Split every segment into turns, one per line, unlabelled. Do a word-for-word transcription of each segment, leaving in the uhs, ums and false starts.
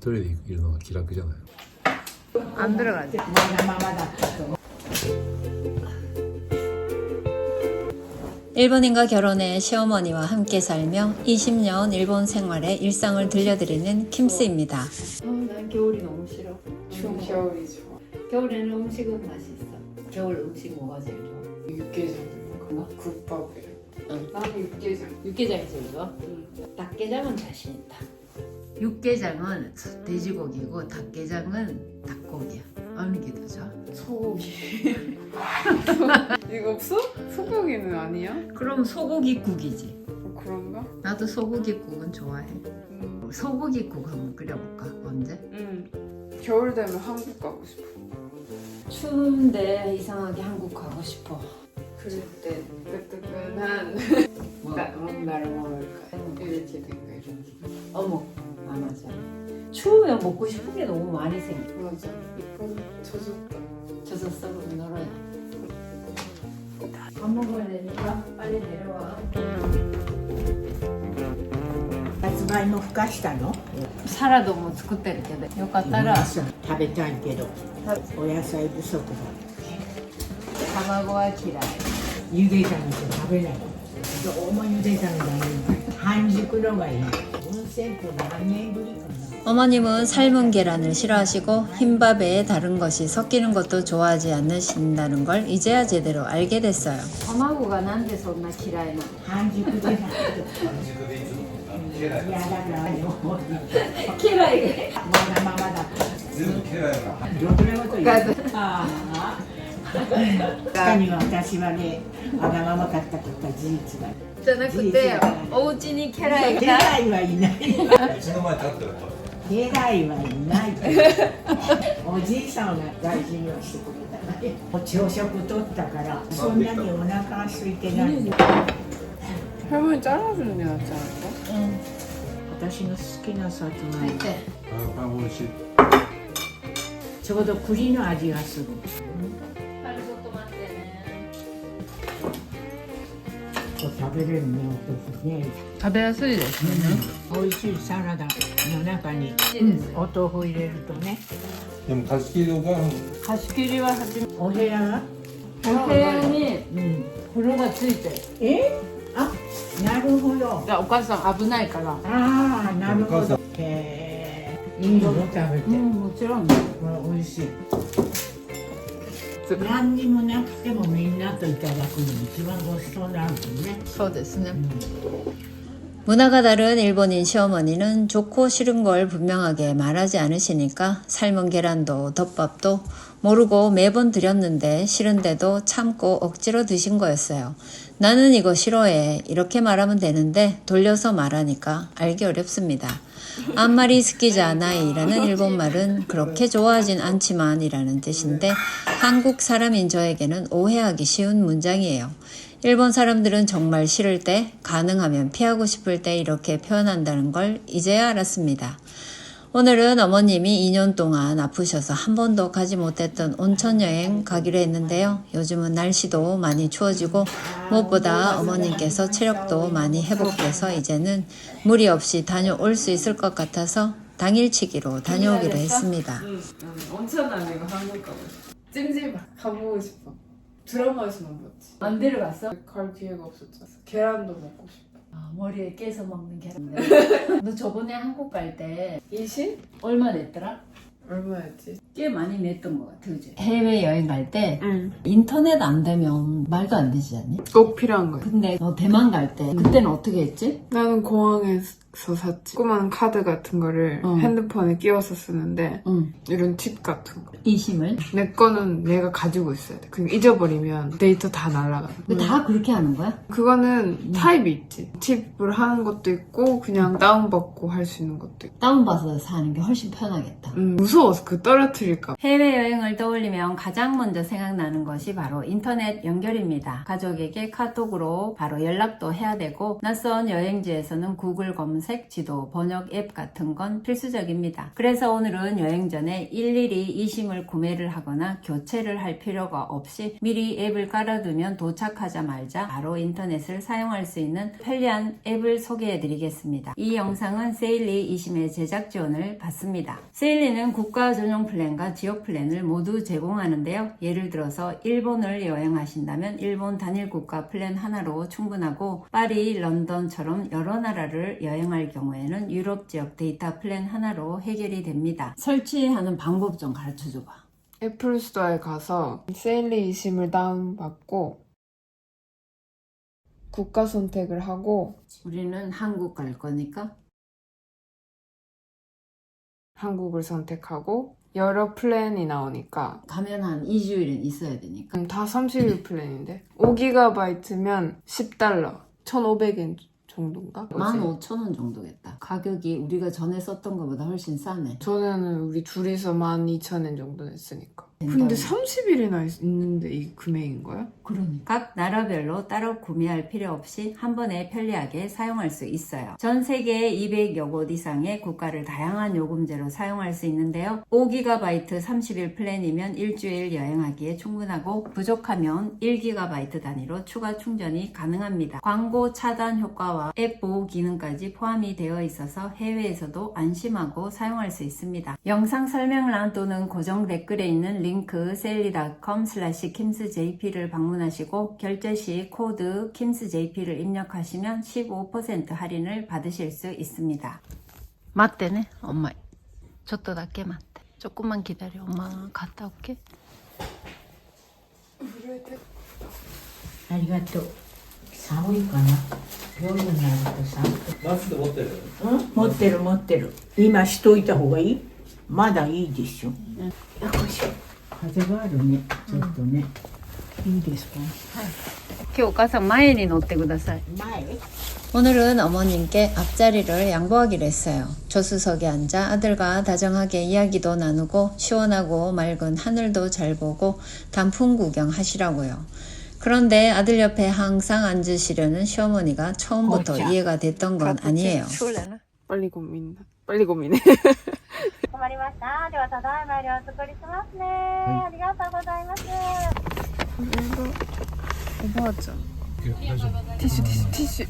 一人でいるのが気楽じゃない。
안 들어가지.
일본인과 결혼해 시어머니와 함께 살며 이십 년 일본 생활의 일상을 들려드리는 킴스입니다.
어, 난 겨울이 너무 싫어. 추운 거.
겨울이 좋아.
겨울에는 음식은 맛있어. 겨울 음식 뭐가 제일 좋아?
육개장 뭐 국밥이랑.
응.
나는 육개장.
육개장이 제일 좋아?
응.
닭게장은 자신 있다. 육개장은 돼지고기고 닭게장은 닭고기야. 어느 게 더 좋아?
소고기. 이거 소? 소고기는 아니야?
그럼 소고기국이지.
어, 그런가?
나도 소고기국은 좋아해.
음.
소고기국 한번 끓여볼까? 언제?
응. 겨울 되면 한국 가고 싶어.
추운데 이상하게 한국 가고 싶어.
그럴 때 뜨끈한
뭐?
나 뭔가를 먹을까? 이렇게 된거 이런 게.
어묵. 아 맞아. 추우면 먹고 싶은 게 너무 많이 생겨.
맞아. 이건 젖었다.
젖었어 그럼 널어야. 밥 먹어야 되니까 빨리 내려와.
さつまいもふかしたの？
사라도 뭐作ってるけどよかったら
食べたいけどお野菜不足だ。
卵は嫌い。
ゆで卵って食べない。どうもゆで卵がいい。半熟のがいい。温泉って何年ぶりかな。
어머님은 삶은 계란을 싫어하시고 흰밥에 다른 것이 섞이는 것도 좋아하지 않으신다는 걸 이제야 제대로 알게 됐어요.
卵がなんでそんな嫌いなの？
半熟でないと。いやだからよ。
嫌い。
まだままだ。
全部嫌いな。
ろくなこと言う。ああ。確かに私はね、わがままかったことは事実だ。
じゃなくてお家に家来
家
が
来はいない。
うちの前立ってると。
家来はいない。おじいさんが大事にはしてくれたね。朝食取ったからそんなにお腹空いてないの。
할머니 잘라주는 게 낫지 않을까?
응.
私の好きなさつまいも。
때.
아, 아, 시
ちょうど栗の味がする。
빨리 또待ってね。
食べれるね、お豆腐ね。
食べやすいですね。
美味しいサラダの中にお豆腐入れるとね。
でも貸し切りが
貸し切りは初め。
お部屋は？
お部屋に
うん。
風呂がついてる。
え？あ、なるほど。
お母さん危ないから。
ああ、なるほど。へえ。いいの食べて。
うんもちろん。
これ美味しい。何にもなくてもみんなといただくのに一番ごちそうなんですね。
そうですね。
문화가 다른 일본인 시어머니는 좋고 싫은 걸 분명하게 말하지 않으시니까 삶은 계란도 덮밥도 모르고 매번 드렸는데 싫은데도 참고 억지로 드신 거였어요. 나는 이거 싫어해 이렇게 말하면 되는데 돌려서 말하니까 알기 어렵습니다. 안마리 스키자나이라는 일본말은 그렇게 좋아하진 않지만 이라는 뜻인데 한국 사람인 저에게는 오해하기 쉬운 문장이에요. 일본 사람들은 정말 싫을 때, 가능하면 피하고 싶을 때 이렇게 표현한다는 걸 이제야 알았습니다. 오늘은 어머님이 이 년 동안 아프셔서 한 번도 가지 못했던 온천 여행 가기로 했는데요. 요즘은 날씨도 많이 추워지고 무엇보다 어머님께서 체력도 많이 회복돼서 이제는 무리 없이 다녀올 수 있을 것 같아서 당일치기로 다녀오기로 했습니다.
응, 응. 온천 아니고 한국 가고 싶어. 찜질방 가보고 싶어. 드라마에서만 봤지.
안 데려갔어?
갈 기회가 없었잖아. 계란도 먹고 싶어.
아, 머리에 깨서 먹는 계란. 너 저번에 한국 갈 때
이십?
얼마 냈더라?
얼마였지?
꽤 많이 냈던 것 같아, 그지? 해외 여행 갈 때
응.
인터넷 안 되면 말도 안 되지 않니?
꼭 필요한 거야.
근데 너 대만 갈 때 그때는 어떻게 했지?
나는 공항에서 샀지. 조그만 카드 같은 거를
어.
핸드폰에 끼워서 쓰는데
응.
이런 팁 같은 거.
이심을?
내 거는 내가 가지고 있어야 돼. 그냥 잊어버리면 데이터 다 날아가.
근데 다 그렇게 하는 거야?
그거는 타입이 있지. 팁을 하는 것도 있고 그냥 다운받고 할 수 있는 것도 있고.
다운받아서 사는 게 훨씬 편하겠다.
음, 무서워서 그 떨어뜨릴까 봐.
해외여행을 떠올리면 가장 먼저 생각나는 것이 바로 인터넷 연결입니다. 가족에게 카톡으로 바로 연락도 해야 되고 낯선 여행지에서는 구글 검색 검색, 지도, 번역 앱 같은 건 필수적입니다. 그래서 오늘은 여행 전에 일일이 이심을 구매를 하거나 교체를 할 필요가 없이 미리 앱을 깔아두면 도착하자마자 바로 인터넷을 사용할 수 있는 편리한 앱을 소개해 드리겠습니다. 이 영상은 세일리 이심의 제작 지원을 받습니다. 세일리는 국가 전용 플랜과 지역 플랜을 모두 제공하는데요. 예를 들어서 일본을 여행하신다면 일본 단일 국가 플랜 하나로 충분하고 파리, 런던처럼 여러 나라를 여행할 경우에는 유럽 지역 데이터 플랜 하나로 해결이 됩니다. 설치하는 방법 좀 가르쳐 줘봐.
애플 스토어에 가서 세일리 이심을 다운받고 국가 선택을 하고
우리는 한국 갈 거니까
한국을 선택하고 여러 플랜이 나오니까
가면 한 이 주일은 있어야 되니까
음, 다 삼십 일 플랜인데 오 기가바이트면 십 달러 천오백 엔 정도인가?
만 오천 원 정도겠다. 가격이 우리가 전에 썼던 것보다 훨씬 싸네.
전에는 우리 둘이서 만 이천 엔 정도 냈으니까.
된다고.
근데 삼십 일이나 있는데 이 금액인 거야?
그러니까 각 나라별로 따로 구매할 필요 없이 한 번에 편리하게 사용할 수 있어요. 전 세계 이백여 곳 이상의 국가를 다양한 요금제로 사용할 수 있는데요. 오 기가바이트 삼십 일 플랜이면 일주일 여행하기에 충분하고 부족하면 일 기가바이트 단위로 추가 충전이 가능합니다. 광고 차단 효과와 앱 보호 기능까지 포함이 되어 있어서 해외에서도 안심하고 사용할 수 있습니다. 영상 설명란 또는 고정 댓글에 있는 링크 세일리 닷컴 슬래시 킴스제이피를 방문하시고 결제 시 코드 킴스제이피를 입력하시면 십오 퍼센트 할인을 받으실 수 있습니다. 맞대네 엄마. ちょっとだけ待って 조금만 기다려. 엄마 갔다 올게.
ありがとう。寒いかな。夜になると寒く。
マスク持ってる？
うん持ってる持ってる。今しといた方がいい？まだいいでしょ。よいしょ。風があるね。ちょっとね。いいですか？
今日お母さん前に乗ってください。
前？
오늘은 어머님께 앞자리를 양보하기로 했어요. 조수석에 앉아 아들과 다정하게 이야기도 나누고 시원하고 맑은 하늘도 잘 보고 단풍 구경하시라고요. 그런데 아들 옆에 항상 앉으시려는 시어머니가 처음부터
어짜.
이해가 됐던 건 아니에요.
빨리 고민. 빨리 고민해.
困りました。ではただいまよりお作りしますね。ありがとうございます。
おばあちゃん。ティッシュティッシュティッシュ。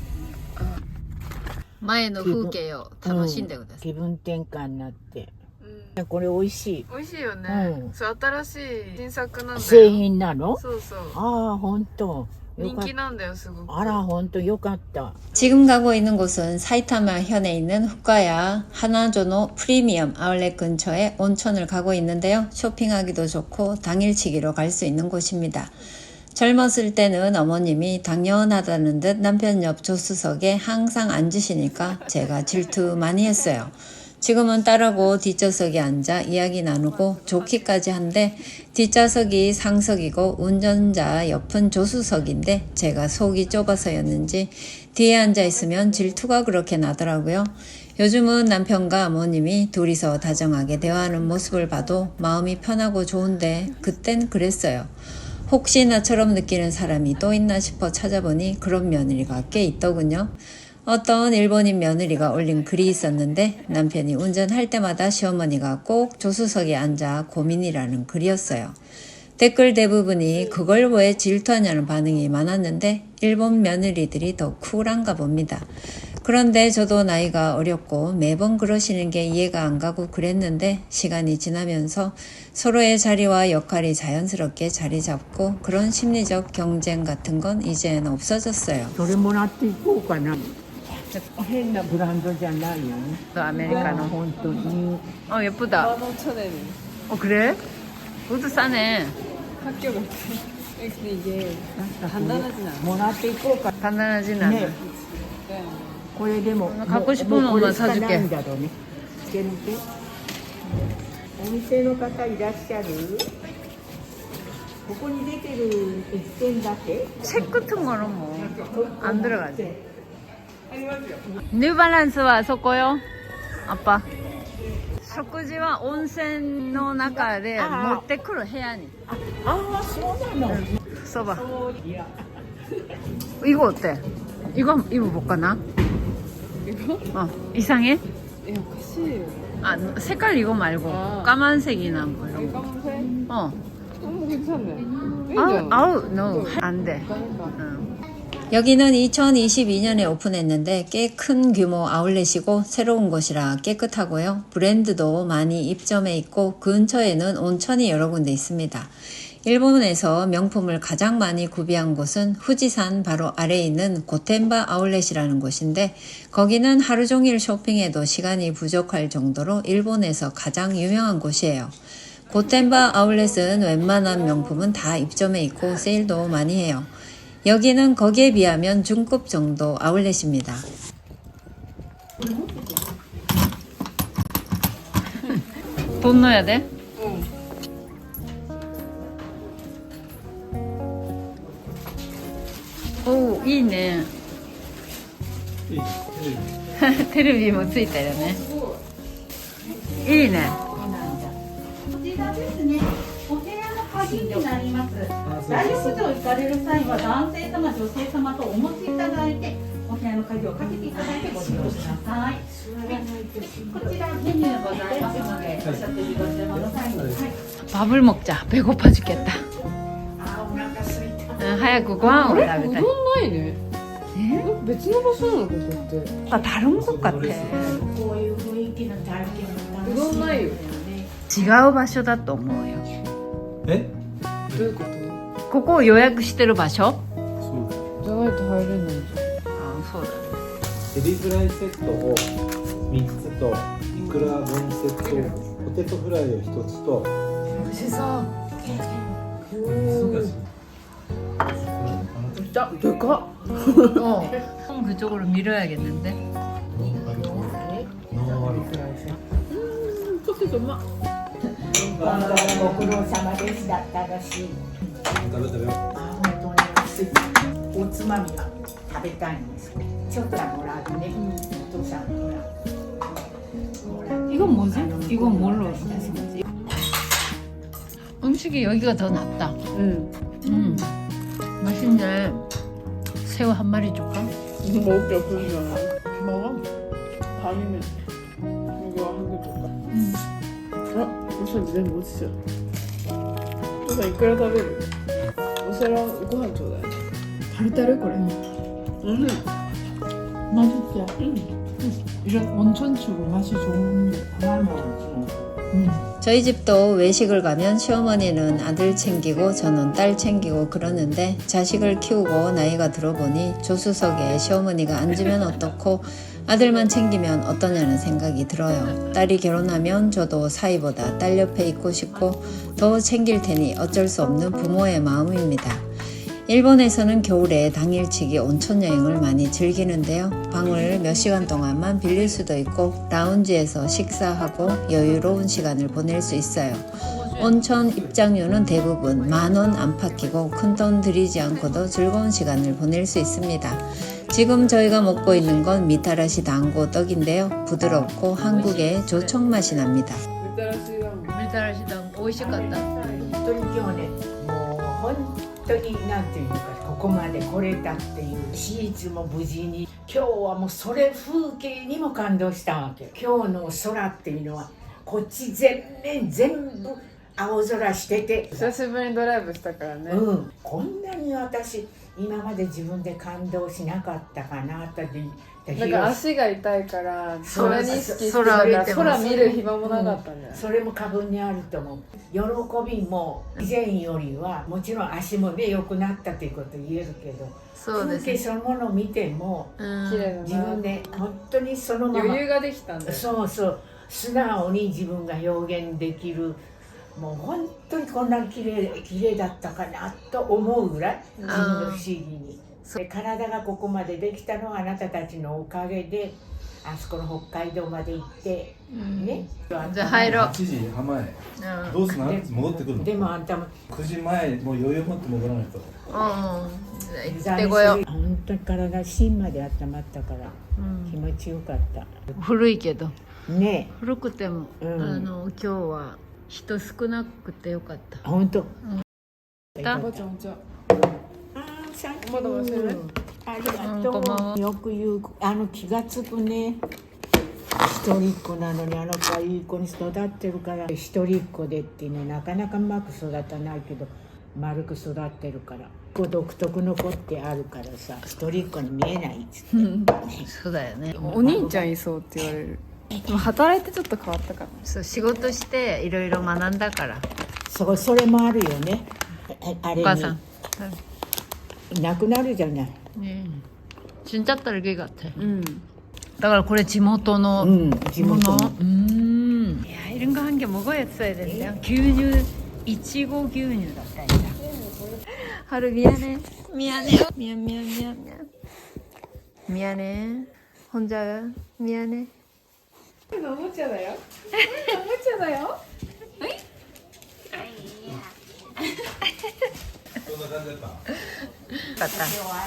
前の風景を楽しんでください。
気分転換になって。これ美味しい。
美味しいよね。
うん
そう新しい新作なんだよ。
製品なの？
そうそう。
ああ本当。よかっ
人気なんだよすごく。
た。あら本当よかった。
지금 가고 있는 곳은 사이타마 현에 있는 후카야 하나조노 프리미엄 아울렛 근처에 온천을 가고 있는데요. 쇼핑하기도 좋고 당일치기로 갈 수 있는 곳입니다. 젊었을 때는 어머님이 당연하다는 듯 남편 옆 조수석에 항상 앉으시니까 제가 질투 많이 했어요. 지금은 딸하고 뒷좌석에 앉아 이야기 나누고 좋기까지 한데 뒷좌석이 상석이고 운전자 옆은 조수석인데 제가 속이 좁아서였는지 뒤에 앉아 있으면 질투가 그렇게 나더라고요. 요즘은 남편과 어머님이 둘이서 다정하게 대화하는 모습을 봐도 마음이 편하고 좋은데 그땐 그랬어요. 혹시 나처럼 느끼는 사람이 또 있나 싶어 찾아보니 그런 며느리가 꽤 있더군요. 어떤 일본인 며느리가 올린 글이 있었는데 남편이 운전할 때마다 시어머니가 꼭 조수석에 앉아 고민이라는 글이었어요. 댓글 대부분이 그걸 왜 질투하냐는 반응이 많았는데 일본 며느리들이 더 쿨한가 봅니다. 그런데 저도 나이가 어렸고 매번 그러시는 게 이해가 안 가고 그랬는데 시간이 지나면서 서로의 자리와 역할이 자연스럽게 자리 잡고 그런 심리적 경쟁 같은 건 이제는 없어졌어요.
それもらっていこうかな。変なブランドじゃないよね。
아메리카노.
本当に。
어 예쁘다.
만 오천 엔.
어 그래? 그것도 싸네.
학교 같아. 근데 이게 간단하진 않아.
もらっていこうか。
단단하진
ね
않아.
これでも
갖고 싶은
もうこれ
것만
しかない
사줄게.
んだろうね。つけるけ。お店の方いらっしゃる？ここに出てる一点だけ？
책 같은 거는 뭐 안 들어가지. 뉴발란스와 섞어요? 아빠. 食事は温泉の中で持ってくる部屋に。
ああそうなの。
써봐. 이거 어때? 이거 한번 입어볼까나?
어 이상해?
야, 같이.
아 색깔 이거 말고
아.
까만색이나 뭐 이런 거.
까만색?
어.
너무 괜찮네.
아우 아우 no 안돼.
그러니까.
여기는 이천이십이 년에 오픈했는데 꽤 큰 규모 아울렛이고 새로운 곳이라 깨끗하고요. 브랜드도 많이 입점해 있고 근처에는 온천이 여러 군데 있습니다. 일본에서 명품을 가장 많이 구비한 곳은 후지산 바로 아래에 있는 고텐바 아울렛이라는 곳인데 거기는 하루 종일 쇼핑해도 시간이 부족할 정도로 일본에서 가장 유명한 곳이에요. 고텐바 아울렛은 웬만한 명품은 다 입점해 있고 세일도 많이 해요. 여기는 거기에 비하면 중급 정도 아울렛입니다.
돈 넣어야 돼?
응.
오いいね。
いいテレビ
テレビもついたよね。いいね。
こちらですね、お部屋の鍵になります。大浴場行かれる際は男性様、女性様とお持ちいただいて、お部屋の鍵をかけていただいてご利用ください。こちらメニューございますので、お食事ご注文の際に。はい。
밥을 먹자. 배고파 죽겠다.
あーお腹すいた。
응, 早くご飯を食べたい。
うどんないね。え別の場所なのここって。
아, 다른 곳 같아.
こういう雰囲気の体験も楽しい
うどんないよ。
違う場所だと思うよ。
え
どういうこと？
ここを予約してる場所？
そうだ
じゃないと入れないじ
あ、そうだね。
エビフライセットをみっつとイクラ分セットポテトフライをひとつと
ゃん。美味しそう。
そうだし
진짜 되か
어. 형 그쪽으로 밀어야겠는데?
포테토 마.
今度はご苦労様でした。楽しい。
食べ食べよ
あー本当に安い。おつまみが食べたいんです。ちょっともらうね。お父さんほら。ほら
이건 뭐지?
아,
이건 뭘로 해서 먹지? 음식이 여기가 더 낫다.
응.
음. 맛있네. 새우 한 마리 줄까?
먹을 게 없으잖아. 먹어? 밤이면 이거 한 개 줄까?
응.
아, 우선 니네 뭐 드셔? 우선 이끌어食べる? 우선ご飯ちょうだい. 타르타르 그래. 응.
맛있지?
응.
이런 온천추고 맛이 좋은데. 음.
저희 집도 외식을 가면 시어머니는 아들 챙기고 저는 딸 챙기고 그러는데 자식을 키우고 나이가 들어보니 조수석에 시어머니가 앉으면 어떻고 아들만 챙기면 어떠냐는 생각이 들어요. 딸이 결혼하면 저도 사위보다 딸 옆에 있고 싶고 더 챙길 테니 어쩔 수 없는 부모의 마음입니다. 일본에서는 겨울에 당일치기 온천 여행을 많이 즐기는데요. 방을 몇 시간 동안만 빌릴 수도 있고 라운지에서 식사하고 여유로운 시간을 보낼 수 있어요. 온천 입장료는 대부분 만 원 안팎이고 큰돈 들이지 않고도 즐거운 시간을 보낼 수 있습니다. 지금 저희가 먹고 있는 건 미타라시 당고 떡인데요. 부드럽고 한국의 조청 맛이 납니다.
밀타라시당 오이시갔다.
本当に今日ね、もう本当になんていうのか、ここまで来れたっていうシーツも無事に、今日はもうそれ風景にも感動したわけ。今日の空っていうのはこっち全面全部青空してて、
久しぶりにドライブしたからね。
うん、こんなに私今まで自分で感動しなかったかなって。
なんか足が痛いから
そう
それに意識してた
空
から
見てます
空見る暇もなかったんじゃない？
それも過分にあると思う。喜びも以前よりはもちろん足もね良くなったということ言えるけど、
そうですね。
風景そのものを見ても
うん
綺麗だな。
自分で本当にそのまま
余裕ができたんだよ。
そうそう素直に自分が表現できる。もう本当にこんなに綺麗綺麗だったかなと思うぐらい自分が不思議に。で体がここまでできたのはあなたたちのおかげで、あそこの北海道まで行ってね。
じゃあ入ろう。
はちじはん前
うん
どうすんの戻ってくるの
でもあんたも
くじまえもう余裕持って戻らないと
うん。じゃあ行ってこよう。
本当に体芯まで温まったから
うん
気持ちよかった
古いけど
ね
古くても、
うん
あの今日は人少なくてよかった。
え本当
だ
おばちゃんお茶。
あーサンキュー
まだ忘れない
ありがと
うんこま
う。よく言う、あの気がつくね。一人っ子なのにあの子はいい子に育ってるから、一人っ子でってね、なかなかうまく育たないけど丸く育ってるから、こう独特の子ってあるからさ、一人っ子に見えないっつって
そうだよね。
お兄ちゃんいそうって言われる。でも働いてちょっと変わったかも。
そう、仕事していろいろ学んだから。
そう、それもあるよね。ああれ
お母さん。
になくなるじゃない。
네. 진짜 딸기 같아.
응.
だからこれ地元の
うん、地
もの。
元の。
음. 야, 이런 거 한 개 먹어야어야 된대요. 규뉴, 이치고 규뉴だったんだ. 하루 미안해. 미안해요. 미안 미안 미안 미안. 미안해. 혼자 미안해.
너무잖아요. 너무잖아요.
そんな感じだった
갔다.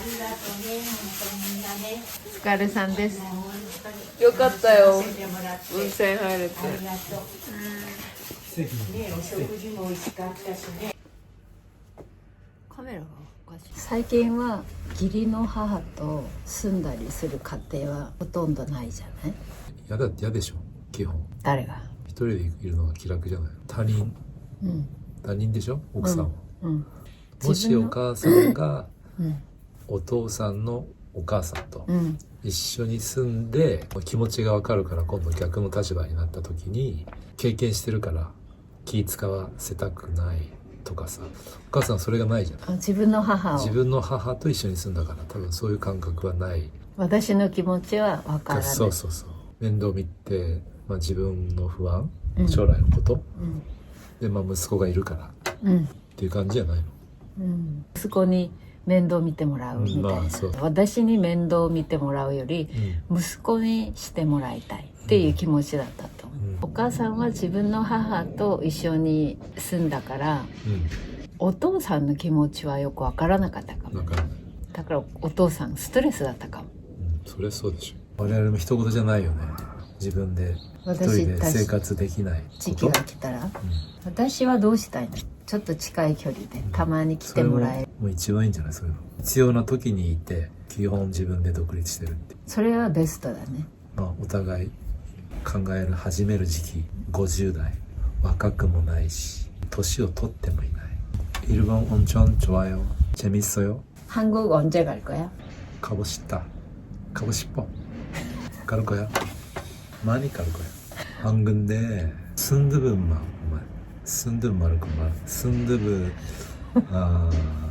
お疲れさんです.
よかったよ。
てもらって
温泉入れて。
ありがとう。
奇跡
ね、お食事も美味しかったしね。
カメラがおかしい。最近は義理の母と住んだりする家庭はほとんどないじゃない。
嫌だ嫌でしょ基本
誰が？
一人でいるのが気楽じゃない他人
うん
他人でしょ奥さんは、
うん
もしお母さんが
うん
お父さんのお母さんと
うん
一緒に住んで気持ちがわかるから今度逆の立場になった時に経験してるから気使わせたくないとかさ、お母さんはそれがないじゃない。
あ、自分の母を
自分の母と一緒に住んだから多分そういう感覚はない。
私の気持ちは分からない。
そうそうそう、面倒見て、まあ、自分の不安、
うん
将来のこと、
うん
で、まあ、息子がいるから
うん
っていう感じじゃないの。
うん、息子に面倒見てもらうみたいな、
うんまあそう
私に面倒見てもらうより
うん
息子にしてもらいたいっていう気持ちだったと思う、
うん
お母さんは自分の母と一緒に住んだから
うん
お父さんの気持ちはよく分からなかったかも。
だから、うん、
だからお父さんストレスだったかも。
それそうでしょ。我々も一言じゃないよね。自分で一
私
人で生活できないこと
時期が来たら、私はどうしたいの？ちょっと近い距離でたまに来てもらえる。
それももう一番いいんじゃない。そういうの必要な時にいて基本自分で独立してるって、
それはベストだね。
まあ、お互い考える始める時期ごじゅう代、若くもないし年を取ってもいない。일본 온천 좋아요. 재밌어요.
한국 언제 갈 거야?
가고 싶다. 가고 싶어. 갈 거야. 많이 갈 거야. 안 근데 순두부만 순두부 말고만 순두부 아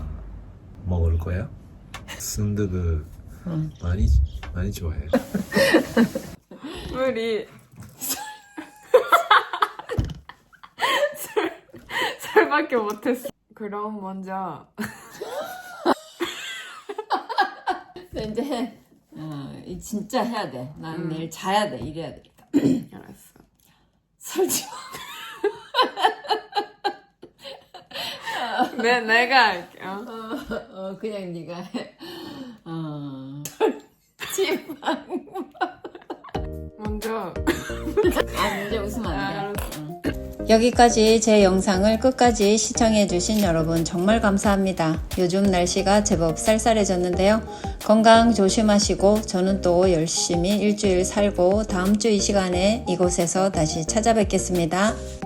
먹을 거야. 순두부
응.
많이 많이 좋아해.
물이 설, 설밖에 못했어. 그럼 먼저
이제 어, 이 진짜 해야 돼. 난
음.
내일 자야 돼. 이래야 돼.
알았어.
설치.
내 내가 할게. 어?
어, 어 그냥 네가 해. 어.
먼저.
아 이제 웃으면 안 돼.
아, 알았어.
응.
여기까지 제 영상을 끝까지 시청해주신 여러분 정말 감사합니다. 요즘 날씨가 제법 쌀쌀해졌는데요. 건강 조심하시고 저는 또 열심히 일주일 살고 다음 주 이 시간에 이곳에서 다시 찾아뵙겠습니다.